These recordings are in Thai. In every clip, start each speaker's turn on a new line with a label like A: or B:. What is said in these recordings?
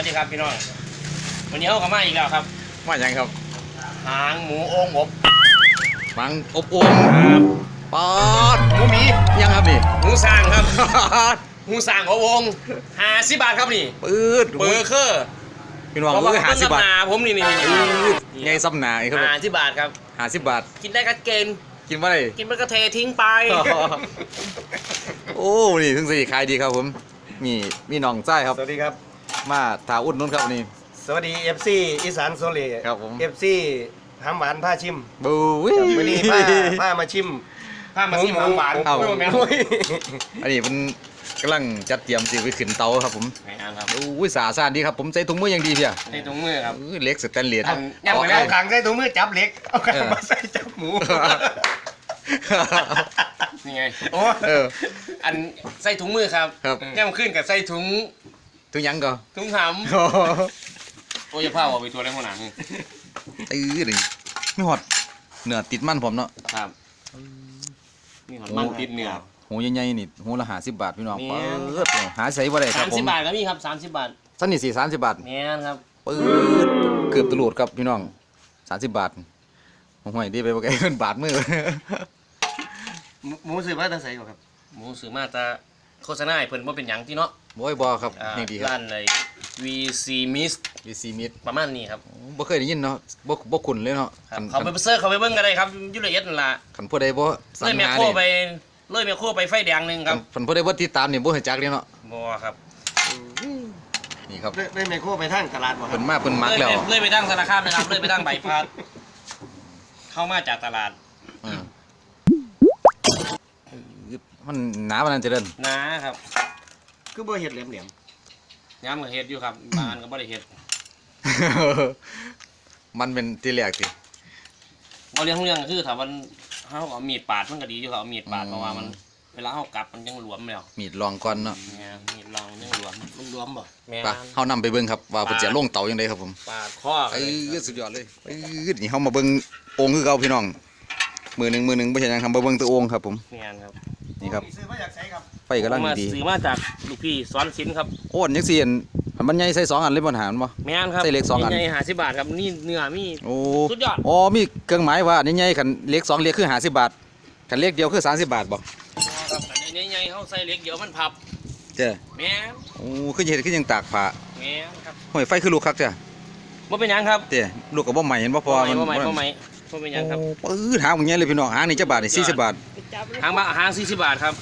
A: วัสดีครับพี่น้องวันนี้เขากลับมาอีกแล้วครับ
B: มาอย่างครับ
A: หางหมูโอ่งอบ
B: มังอบโอ่งปอด
A: หมูหมี
B: ยังครับนี่
A: หมูสร้างครับหมูสร้างอบโอ่ง50 บาทครับนี่
B: ปืด
A: เบอร์เคอร์
B: พี่น้องเอ้ย50 บาท
A: ผมนี่
B: ไงซ้ำหนาครับ
A: 50 บาทครับ
B: 50 บาท
A: กินได้ก็เกณฑ์
B: กินว่าไร
A: กินมันก็เททิ้งไป
B: โอ้นี่ถึงสิขายดีครับผมมีน้องใจครับ
C: สวัสดีครับ
B: มาถาอุ่นนุ่นครับนี่
C: สวัสดี FC อีสานโซเล
B: ครับผม
C: FC หำหวานผ้าชิม
B: บูวิ
C: วันนี้ผ้ามาชิม
A: หำหวาน
B: อันนี้มันกำลังจัดเตรียมสิไปขึ้นเตาครับผม
A: ครับ
B: อุ้ยสาสานดีครับผมใส่ถุงมืออย่างดีเพีย
A: ใส่ถุงมือครับ
B: เล็กสแตนเลส
C: เอาขังใส่ถุงมือจับเล็กเอาขังมาใส่จับหมู
A: นี่ไงโอ้อันใส่ถุงมือครับย่ำขึ้นกับใส่ถุง
B: ยังก็
A: ถุงหำโอ้ยผ้าเอาไปตัวได้หัวหนัง
B: นี่ไม่หอดเนื้อติดมันผมเนาะ
A: ครับนี่หอดมันติดเนื้อ
B: หูใหญ่ๆนี่หูละ50 บาทพี่น้องเปิดหาใส่บ่ได้ครับผม
A: 30 บาทก็มีครับ30 บาท
B: สั้นนี่สี่30 บาท
A: เนี่ยครับ
B: เปิดเกือบตลอดครับพี่น้อง30 บาทห่วยดีไปบ่ไกลเงินบาทมือ
C: หมูซื้อมาแต่ใส่ก่อนครับ
A: หมูซื้อมาแต่โฆษณาให้เพิ่นบ่เป็นหยังที่เนาะ
B: บ่ครับนี่ดีครับ
A: ร้านเลย VC Mist ประมาณนี้ครับ
B: บ่เคยได้ยินเนาะบ่คุ้นเลยเนาะ
A: เขาไปเสิร์ชเขาไปเบิ่งกันได้ครับอยู่ละเอียดนั่นล่ะ
B: คันผู้ใดบ่
A: สั่งหานี่เลยแมคโครไปไฟแดงนึงครับ
B: คันผู้ใดบ่ติดตามนี่บ่รู้จักเลยเนาะ
A: บ่ครับ
C: นี่ครับเลยแมคโครไปทางตลาดบ่ครับ
B: เพิ่นมาเพิ่นมักแล้ว
A: เลยไปทางธนาคารนะครับเลยไปทางใบพัดเข้ามาจากตลาด
B: มันหนาปานนั้นจะเดิน
A: หนาครับ
C: คือบ่เฮ็ดแหลม
A: ย้ำกับเฮ็ดอยู่ครับบ้านก็บ่ได้เฮ็ด
B: มันเป็นที่แรกสิ
A: บ่เรื่องคือถ้ามันเฮาเอามีดปาดมันก็ดีอยู่ครับเอามีดปาดเพราะว่ามันเวลาเฮากลับมันยังหลวมแล้ว
B: มีดลองก่อนเนาะ
A: มีดลองยังหลวมบ่
B: แม่นเฮานำไปเบิ่งครับว่าเพิ่นจะลงเตาจังได๋ครับผม
A: ปาดคอ
B: สุดยอดเลยนี่เฮามาเบิ่งโอ่งคือเก่าพี่น้องมือหนึ่งบ่ใช่หยังทำบ่เบิ่งตัวโอ่งครับผม
A: แม่นครับ
B: นี่ครับ
C: ซื้อมาจากไสครับ
B: ไฟกำลังดี
A: ซื้อมาจากลูกพี่สอนศิลป์ครับ
B: โอ้ยจังซี่มันใหญ่ใส่2 อันเลยบ่หารบ่
A: แม่นครับ
B: ใส่เล็ก2 อัน
A: ใหญ่50 บาทครับนี่เนื้อมีสุดยอด
B: อ๋อมีเครื่องหมายว่าใหญ่ๆคันเล็ก2เล็กคือ50 บาทคันเล็กเดียวคือ30 บาทบ่
A: ครับอันใหญ่ๆเฮาใส่เล็กเดียวมันพับ
B: เจ้
A: แม่น
B: โอ้คือเฮ็ดคือยังตากผ้า
A: แม่นครับ
B: ห้อยไฟคือลูกคักจ้ะ
A: บ่เป็นหยังครับ
B: เจ้ลูกก็บ่ใหม่เห็นบ่พอมัน
A: บ่ใหม่เป็นหยังครับ
B: หางมันใหญ่เลยพี่น้องหางนี่จักบาทนี่40 บาท
A: หาง40 บาทครับ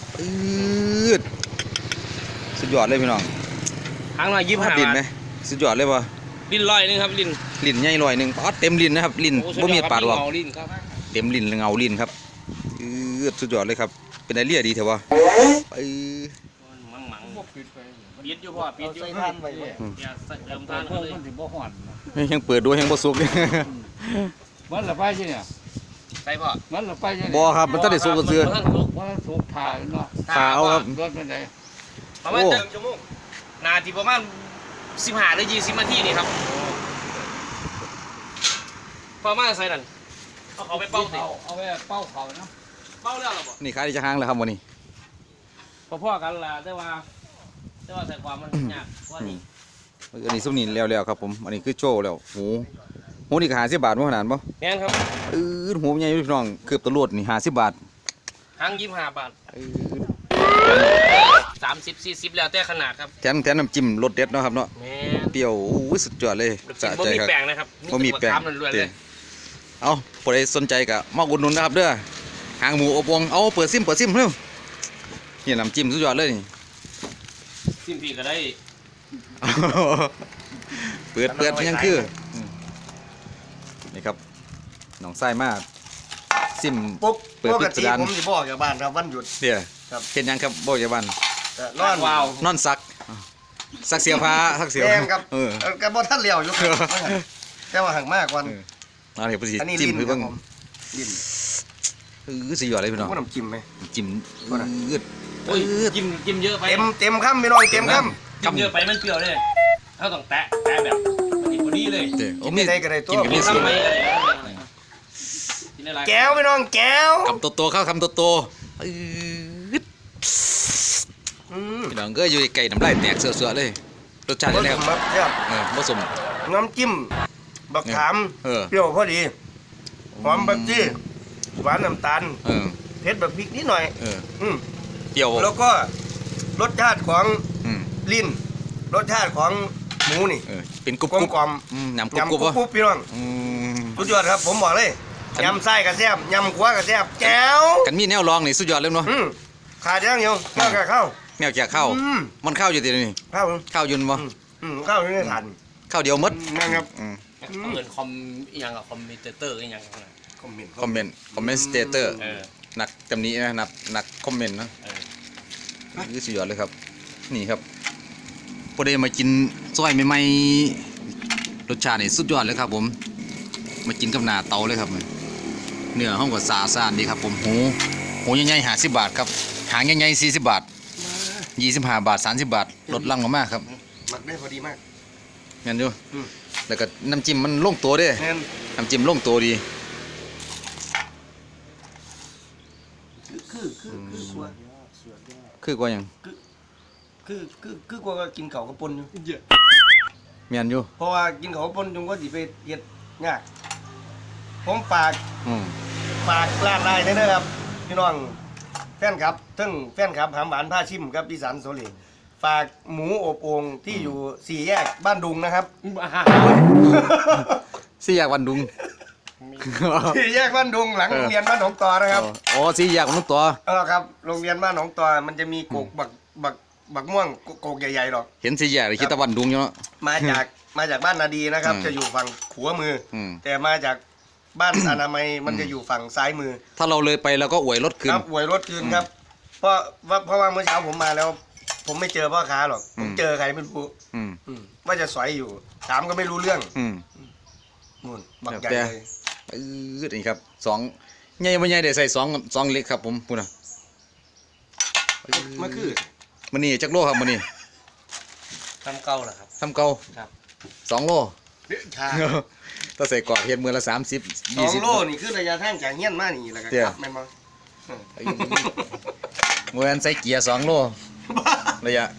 B: สุดยอดเลยพี่น้อง
A: หางน้อย25 บาท
B: ลิ้นมั้ยสุดยอดเลยบ่
A: ลิ้น100นึงครับลิ้น
B: ใหญ่100นึงเต็มลิ้นนะครับลิ้นบ่มีปาดหรอกเต็มลิ้นเงาลิ้นครับสุดยอดเลยครับเป็นไอเลียดีเถอะวะ
A: ปิดอยู่พ่อปิดอยู่ทานไว้อย่าเติมทานเขาเลยมันสิบ่ฮ้อน
B: ยังเปิดดูยังบ่สุก
C: มันละไปใช่เนี่ย
A: ใส่พ่อ
C: มันละไปใช่
B: บ่ครับมันต้องได้สุกซื่อ
C: มันสุกผ่าเนาะ
B: ผ่าเอาครับ
C: รถมันได้
A: ประมาณ1 ชั่วโมงนาทีประมาณ15 หรือ 20 นาทีนี่ครับพอมาใส่นั่นเอาไปเป่าสิ
C: เอาไปเป่าเขานะ
A: เป่าแล้วหรอบ่
B: นี่ขายได้จะหางแล้วครับวันนี้
A: พ่อกันล่ะแต่ว่าใส่ความมันยากว่านี่
B: อันนี้ซุปนี่แล้วครับผมอันนี้คือโชว์แล้วหูนี่ก็50 บาทบ่ขนาดบ่
A: แม่นครับ
B: หูใหญ่พี่น้องเกือบตะโลดนี่50 บาท
A: หาง25 บาท30 40แล้วแต่ขนาดครับ
B: แถมน้ำจิ้มรสเด็ดเนาะครับเนาะเปรี้ยวสุดยอดเลย
A: สะใจครับบ่มีแป้งนะครับ
B: บ่มีแป้งเอาผู้ใดสนใจก็มาอุดหนุนนะครับเด้อหางหมูอบโอ่งเอาเปิดซิมเร็วนี่น้ำจิ้มสุดยอดเลยนี่
A: ซิมพี่ก็ได้
B: เปิดยังคือนี่ครับน้องไส้มากซิม
C: ปุ๊บเปิดพิสดารผมจะบอกจากบ้านครับวันหยุด
B: เดี๋ยวเห็นยังครับบอกจากบ้าน
C: นอน
A: ว้าวน
B: อนซักเสียผ้าซักเสีย
C: ครับกระบอกท่านเลี้ยวอยู่แค่ว่าห่างมากวัน
B: นี่พอดีจิ้มคือบ้าง
C: ลิ้น
B: สุดยอดเลยพี่น้อง
C: น้ำจิ้มไหม
B: จิ้ม
A: โอ้ยจิ้มเยอะไป
C: เต็มคำพี่น้องเต็มค
A: ำจิ้มเยอะไปมันเปรี้ยวเลยเขาต้องแตะแบบพอดีเลย
C: กินได้ก็ได้ตัว
A: กินทำไม
C: แก้วพี่น้องแก้ว
B: คำโตๆเข้าคำโตพี่น้องก็อยู่ไก่น้ำลายแตกเสือเลยรสชาติยังไงครับ
C: ผสมครับ
B: ผสม
C: น้ำจิ้มบักขาม
B: เออ
C: เปรี้ยวพอดีหอมบักจี้หวานน้ำตาล
B: เออ
C: เผ็ดแบบพริกนิดหน่อย
B: เออ
C: อืม
B: เปรี้ยว
C: แล้วก็รสชาติของ
B: อืม
C: ลิ้นรสชาติของหมูนี่
B: เป็นกรุบ
C: กลมกล่อม
B: ยำกรุบ
C: ยำ
B: กรุบ
C: กรุ
B: วะ
C: บๆพี่น้อง
B: อืม
C: สุดยอดครับผมบอกเลยยำไส้กระแซบยำขัวกระแซบแจ๋ว
B: กันมีแนวรองนี่สุดยอดเลยเนาะ
C: ขาดอย่างเดียวข้าวกับข้าว
B: แนวแจกข้าว
C: อืม
B: มันข้าวอยู่ที่นี่
C: ข้าว
B: ข้าวยืนบ่
C: ข้าวอยู่ในถาด
B: ข้าวเดียวหมด
C: นั่นครับ
B: อืม
A: เขาเอินคอมอหยังกับคอมพิวเตอร์อหยังกันนะ
C: คอมเมนต์
B: คอมเมนต์สเตเตอร์
A: เออ
B: นักจำนี้นะนักคอมเมนต์นะ
A: เออ
B: คือสุดยอดเลยครับ นี่ครับพอได้มากินซอยใหม่ๆรสชาตินี่สุดยอดเลยครับผมมากินกับหน้าเตาเลยครับเนื้อห้องก็สะอาดดีครับผมหูใหญ่ๆ50 บาทครับหางใหญ่ๆ40 บาท25 บาท30 บาทลดลังลงมาครับ
C: หมักได้พอดีมาก
B: งั้นอยู่
C: อืม
B: แล้วก็น้ำจิ้มมันลงตัวเด้
C: แน่น
B: น้ำจิ้มลงตัวดี
C: คือกลัว
B: คือกว่าหยัง
C: คือกลัวก็กินเขาวกับปนอยู่
B: แม่นอยู่
C: เพราะว่ากินเขาวกับปนจงก็สิไปเฮ็ดยากผมฝาก
B: อืม
C: ร้านได้เด้อครับพี่น้องแฟนครับทั้งแฟนครับหามหวานผ้าชิมครับดิสันโซลีฝากหมูอบโอ่งที่อยู่4 แยกบ้านดุงนะครับ
B: สี่แยกวันดุง
C: 4 แยกบ้านดุงหลังโรงเรียนบ้านหนองตอนะครับ
B: อ๋อสี่แยกวันตัว
C: ครับโรงเรียนบ้านหนองตอมันจะมีโกกบักม่วงโกกใหญ่ๆหรอก
B: เห็นสี่แยกเลยคิดแตะวันดุงอยู่เนาะ
C: มาจากบ้านนาดีนะครับ
B: อืม
C: จะอยู่ฝั่งขวามืออ
B: ม
C: แต่มาจากบ้านอนามัยมันจะอยู่ฝั่งซ้ายมือ
B: ถ้าเราเลยไปเราก็อวยรถขึ้น
C: ครับหวยรถคืนครับ เพราะว่าเมื่อเช้าผมมาแล้ว ผมไม่เจอพ่อค้าหรอกผมเจอใครไม่รู้
B: อืม
C: ว่าจะสอยอยู่ถามก็ไม่รู้เรื่อง
B: อืม
C: นู่นบักใหญ่
B: แต่
C: เลย
B: นี่ครับสองใหญ่บ่ใหญ่ได้ใส่สองเล็กครับผมพูดนะ
C: มาคือ
B: มันนี่จักโลครับมันนี่
A: ทำเก่าเหรอครับ
B: ทำเก่า
A: ครับ
B: 2 โล
C: ชา
B: ถ้าใส่กรอกเฮ็ดมือละ30
C: 2 โลนี่คือระยะทางจากเฮี้ยนมานี่แล้วก็
B: เดี๋
C: ก
B: ยว
C: ลับแม่นบ่
B: เมื่อวันใส่เกียร์2 โลระยะ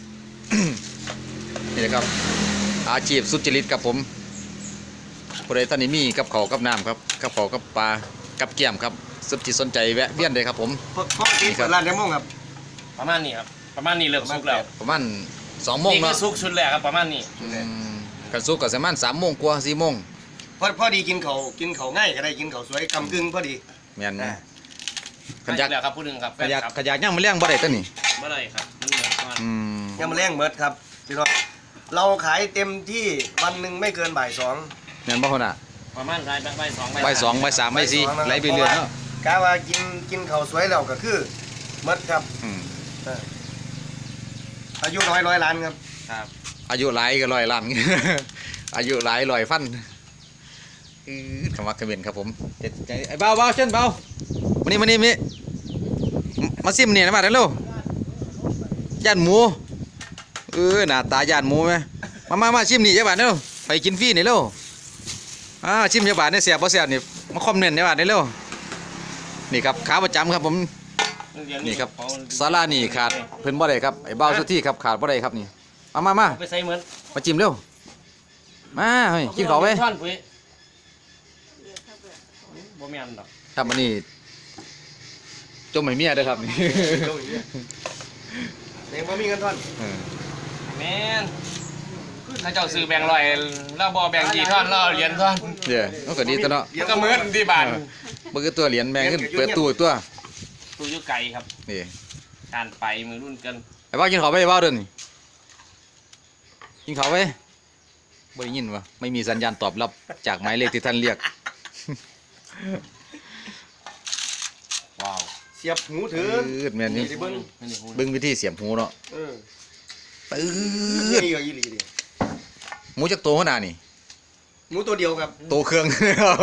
B: นี่นะครับ อาชีพสุจริตครับผมผู้ใดท่านนี้มีกับเขาวกับน้ำครับกับเขาวกับปลากับแก้มครับสนจิตสนใจแวะเวียนเลยครับผม
C: พ่อที่เปิดร้านได้โมงครับ
A: ประมาณนี้ครับประมาณนี้เริ่มสุกแล้ว
B: ประมาณ2 โมง
A: นี่คื
B: เนาะ
A: อสุกชุดแรกครับประมาณนี้
B: กันสุกก็ประมาณ3 โมงกว่า4 โมง
C: พอดีกินเขาง่ายก็ได้กินเขาสวยกำกึ่งพอดี
B: แม่น
C: อ่า
B: ขันยัก
A: แล้วครับผู้หนึ่งครับแฟ
B: ขัน
A: น
B: ยัก
A: ครับ
B: ขันยักย่างมันเลี้ยงบ่ได้ตัวนี้
A: เมื่อไรครับมันเหมือนประมาณ
C: ยังมาแรงเมิดครับพี่น้องเราขายเต็มที่วันหนึ่งไม่เกินบ่ายสอง
B: แม่นบ่คนน่ะ
A: ประมาณใบสอง
B: ใบสองใบสามใบสี่ไหลไปเรื่อยเนาะ
C: กะว่ากินเขาวสวยแล้วก็คือเมิดครับ
B: อืม
C: อายุร้อยล้านครับ
A: ครับ
B: อายุหลายก็100 ล้าน อายุหลาย100 ฟันคำว่าคอมเมนต์ครับผมเด็ดใจไอ้เบาเชิญเบามานี่มาซิมนี่นะมาเร็วย่านหมูหน้าตาย่านหมูไหมมาชิมนี่เจ้าบ้านเร็วไปกินฟรีนี่เร็วชิมเจ้าบ้านเนี่ยเสียบบ่เสียบนี่มาคอมเมนต์เจ้าบ้านนี่เร็วนี่ครับขาประจำครับผมนี่ครับศาลานี่ขาดเพิ่นบ่ได้ครับไอ้เบาสุดที่ครับขาดบ่ได้ครับนี่มา
A: ไปใส่เหมือน
B: มาจิ้มเร็วมาเฮ้ยกินข้าวไป
A: ท่อนปุ๋ยบ่แม่นดอก
B: ครับอันนี้จมให้เมียเด้อครับนี่
C: เองพอมีเงินท่อน
A: แม่นถ้าเจ้าซื้อแบ่งร้อยแล้วบ่แบ่งกี่ท่อนแล้วเหรียญท่อน
B: เดี๋ยวมันก็ดีตัวเนาะ
A: ก็เหมือนที่บ้าน
B: มันคือตัวเหรียญแบงขึ้นเปิดตู้อีกตัว
A: ตู้อยู่ไกลครับ
B: นี่
A: การไปมือรุ่นกัน
B: ไอ้บ้ากินข้าวไปไอ้บ้าเดินนี่กินข้าวไปบ่ได้ยินวะไม่มีสัญญาณตอบรับจากหมายเลขที่ท่านเรียก
A: ว้าว
C: เสียบหูถือ
B: แม่นนี่
C: สิเบิ้ง
B: เบิ่งวิธีเสียบหูเนาะ
C: เออ
B: ปื๊ด
C: นี่ก็ยี่หลีดิ
B: หมูจักโตขนาดนี่
C: หมูตัวเดียวครับ
B: โตเครื่อง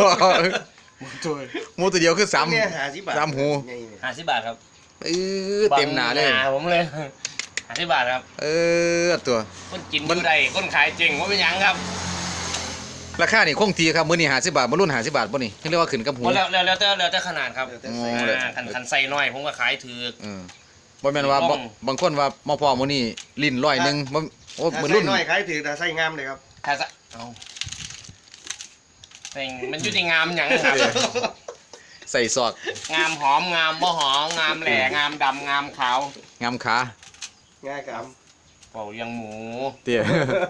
B: หมูตัวเดียวคือสาม
C: เนี่ย50 บาท
B: สามหู
C: ไงเนี่ย
A: 50 บาทครับ
B: เต็มหนาเลย
A: บังผมเลย50 บาทครับ
B: ตัว
A: คนกินอยู่ใดคนขายเจ๋งว่าเป็นหยังครับ
B: ราคานี่คงทีครับมื้อนี้50 บาทมื้อรุ่น50 บาทบ่นี่เรียกว่าขึ้นกับหู
A: แล้วแต่ขนาดครับ
C: แต่ใส่
A: คันใส่น้อยผมก็ขายถือ
B: บ่แม่นว่า
A: บ้อง
B: บางคนว่ามาพอมื้อนี้ลิ้น100นึงบ่โอ้เหมือน
C: ใส่
B: รุ่น
C: น้อยขายถือแต่ใส่งามเลยครับ
A: ถ้าซะเอาแต่งมันอยู่ที่งามหยังครับ
B: ใส่ซอก
A: งามหอมงามบ่หอมงามแหล่งามดำงามขาว
B: งามขา
C: ง่ายครับ
A: เป่าเลี้ยงหมู
B: เตี้ย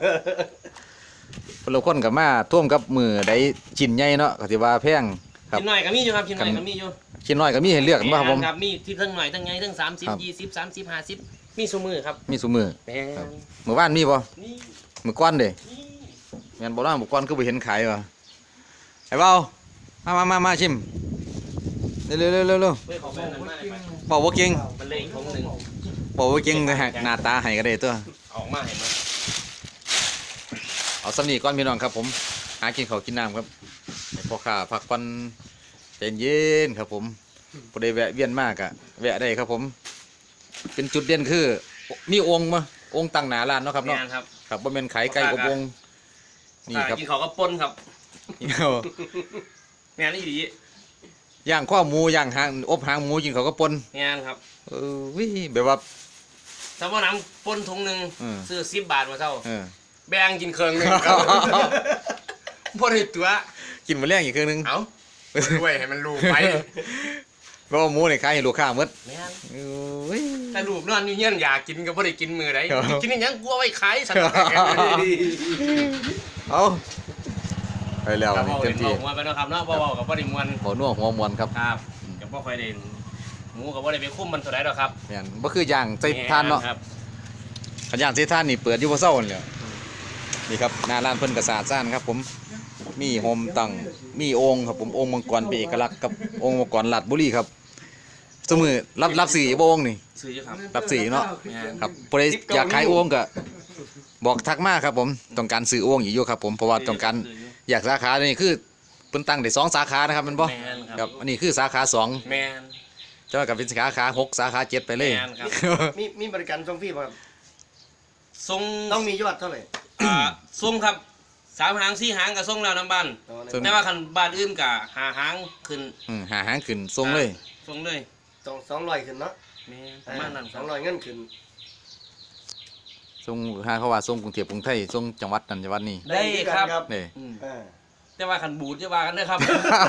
B: คนละคนกับมาท่วมกับมือได้ชิ้นใหญ่เนาะก็สิว่าแพงครับ
A: ชิ้นหน่อยก็มีอยู่ครับชิ้นหน่อยก็มีอยู่
B: ชิ้นน้อยก็มีให้เลือกกันบ่ครับผม
A: ครับมีที่ทั้งหน่อยทั้งไงทั้ง
B: ครับ
A: 30 20 30 50มีซุมือครับ
B: มีซุมือ
A: แม่น
B: ครับ มื้อวานมีบ่
A: นี่
B: มื้อก่อนเด้
A: นี่
B: แม่นบ่ล่ะมื้อก่อนคือบ่เห็นขายวะไอ้เบามาชิมเร็วๆๆๆ
A: เฮ้ยขอแม่นั้นมาได้ไหม
B: เบาบ่เก่ง
A: มันเลยอีกถุงหนึง
B: เบาบ่เก่งแต่หน้าตาให้ก็ได้ตัว
A: ออกมาเห็นไหม
B: เอาสำนีก่อนพี่น้องครับผมหากินข้าวกินน้ำครับให้พ่อข้าพักผ่อนใจเย็นครับผมบ่ได้แวะเวียนมากอะแวะได้ครับผม เป็นจุดเด่นคือมีองค์มาองค์ตั้งหน้าร้านเนาะครับเนาะ
A: แม่นครับ
B: ครับบ่แม่นขายไก่อบองค์นี่ครับ
A: กินเขาวก็ปนครับแม่นอีหลี
B: ย่างข้อหมูย่างหางอบหางหมูกินเขาวก็ปน
A: แม่นครับ
B: วิแบบว่า
A: ถ้าว่าน้ำปนถุงหนึง
B: อืม
A: ซื้อ10 บาทมาเท่า
B: เออ
A: แบ่งกินเครื่องหนึงครับบ่ได้ตัว
B: กินมาแรงอีกครึ่งหนึง
A: เอ้าด้วยให้มันรู้ไป
B: เพราะว่าหมูนี่ขายให้ลูกค้าหมด
A: แม่น
B: โอ้ย
A: แต่ลูกนอนอยู่เงี้ยอยากกินก็บ่ได้กินมื้อใด
B: ครับ
A: กินอหยังกลัวไว้ขายสั่น
B: เอาไปแล้ว
A: ครับ
B: นี่
A: เว้า
B: เต็
A: เล่
B: ม
A: น
B: ที่
A: เว้าหัวไปเนาะครับเนาะเว้ากับบ่ได้ม่วน
B: หัวนัวหัวมวนครับ
A: ครับก็บ่ค่อยได้หมูก็บ่ได้ไปคุมมันเท่าใดดอกครับ
B: แม่นบ่คือย่างใส่ทานเนาะ
A: ครับ
B: ขันย่างใส่ทานนี่เปิดอยู่บ่เซานั่นแหละนี่ครับหน้าร้านเพิ่นก็สะอาดซ่านครับผมมีโฮมตั้งมีโอ่งครับผมโอ่งมังกรเป็นเอกลักษณ์กับโอ่งมังกรลาดบุรีครับสมือรับสื่อบ่โอ่งนี่
A: ซื้ออยู่ครับ
B: รับสื่อเนาะ
A: แม่น
B: ครับผู้ใดอยากขายโอ่งก็บอกทักมาครับผมต้องการซื้อโอ่งอยู่ครับผมเพราะว่าต้องการอยากสาขานี่คือเพิ่นตั้งได้2สาขานะครับแมันบ่
A: แม่นค
B: ค
A: รั
B: รั
A: บบ
B: อันนี้คือสาขา2
A: แม่น
B: จะว่ากับเป็นสาขา6สาขา7ไปเลย
A: แม่นครับ
C: มีบริการส่งฟรีป่ะครับ
A: ส่ง
C: ต้องมียอดเท่าไหร่
A: ส่งครับ3 หาง4 หางก็ส่งแล้วนํบ้าน
B: ส่ง
A: แต่ว่าคันบ้านอื่นก็5 หางขึ้น
B: หาหางขึ้นส่งเลย
A: ส่งเลย
C: 200ขึ้นเนาะ
A: แม่นประมาณนั้นครับ
C: 200เงินขึ้น
B: ส่งหาเขาว่าส่งกรุงเทพกรุงไทยส่งจังหวัดนั้นจังหวัดนี้
A: ได้ครับ
B: นี่
A: อืม
C: อ่า
A: แต่ว่าคันบูดจะว่ากันเด้อครับ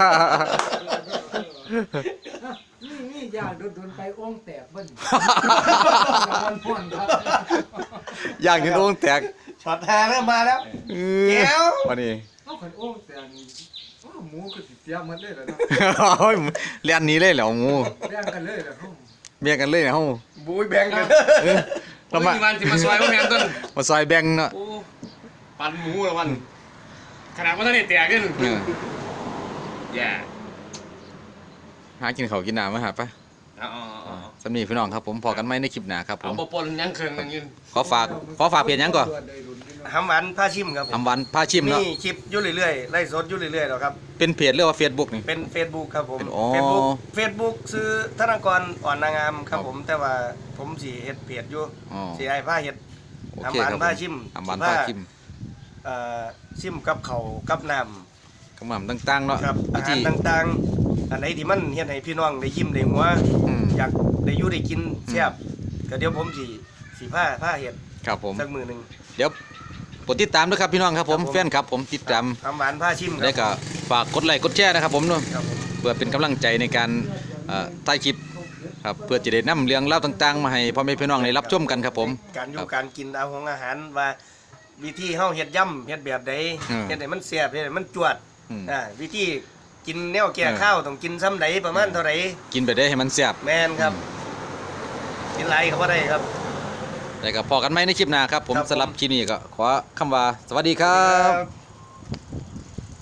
D: นี่ยาโดนไปอ้องแตกเบิ้ลมันพ่นครับ
B: อย่างนี้โอ่งแตก
C: ช็อตแทนเริ่มมาแล้ว แจ๋ว
B: วันนี้
D: เอาขันอ้องแตกนี่อ้าวหมูก็สิเสียหมันเลยเหรอเนาะ
B: โอ้ยเลียนหนี้เลยเหรอหมู
D: แบ่งกันเลยเหรอครับ
B: เบียงกันเลยนะเฮา
C: บุยแบ่งกัน
B: เรามา
A: วันที่มาซอยว่าแม่นต้น
B: มาซอยแบ่งเนาะ
A: โอ้ปันหมูละวันขนาดว่าท่านได้แตกขึ้น
B: เออ
A: แย่
B: หากินข้าวกินน้ำมาหาปะ
A: เอา
B: สำนีพี่น้องครับผมพอกันไหมในคลิปหน้าครับผ
A: เอา
B: ม
A: บ่ปนยังเครื่องนึงยืน
B: ขอฝากเพจหยังก่อน
C: หำหวานผ้าชิมครับผม
B: อำวันพาชิม
C: มี
B: เนาะ
C: คลิปอยู่เรื่อยๆไล่สดอยู่เรื่อยๆหรอกครับ
B: เป็นเพจหรือว่า Facebook นี่
C: เป็น Facebook ครับผม
B: อ๋อ
C: Facebook ซื้อธนากรอ่อนนางงามครั
B: ครับ
C: บผมแต่ว่าผมสิเฮ็ดเพจอยู่
B: อ๋อ
C: สิให้ผ้าเฮ็ด
B: โอ
C: หำ
B: เค
C: หวาน
B: ครับ
C: ผ้าชิม
B: อำวันพาชิม
C: ชิมกับเขาวกับน้
B: คำนำต่างๆเนาะ
C: ำครับอา
B: วิ
C: หาร
B: ธี
C: ต่างๆ อันไหนที่มันเฮ็ดให้พี่น้องได้ยิ้มได้หัว
B: อืม
C: อยากได้อยู่ได้กินแซ่บก็เดี๋ยวผมสิผ้าเฮ็ด
B: ครับผม
C: สักมื้อหนึง
B: เดี๋ยวกดติดตามด้วยครับพี่น้องครับผม
C: ครับผม
B: แฟนครับผมติดตาม
C: หำหวานผ้าชิมค
B: แล้ว
C: รับ
B: ก็ฝากกดไลค์กดแชร์นะครับผมเนาะ
C: ครับผม
B: เพื่อเป็นกำลังใจในการถ่ายคลิปครับเพื่อจะได้นำเรื่องเล่าวต่างๆ มาให้พ่อแม่พี่น้องได้รับชมกันครับผม
C: การอ
B: ค
C: ยู่
B: รับ
C: การกินเอาของอาหารว่าวิธีเฮาเฮ็ดย่ำเฮ็ดแบบใด
B: อืม
C: เฮ็ดให้มันแซ่บเฮ็ดให้มันจวด
B: อืม
C: วิธีกินแนวแก่
B: เออ
C: ข้าวต้องกินซ้ำใดประมาณเท่าไหร่
B: กินไปได้ให้มันแซ่บ
C: แม่นครับ กินหลายก็บ่ได้ครับ
B: แล้วก็พอกันไหมในคลิปหน้าครับผม
C: ครับผม
B: สำหรับคลิปนี้ก็ขอคำว่าสวัสดีครับ
C: ครับ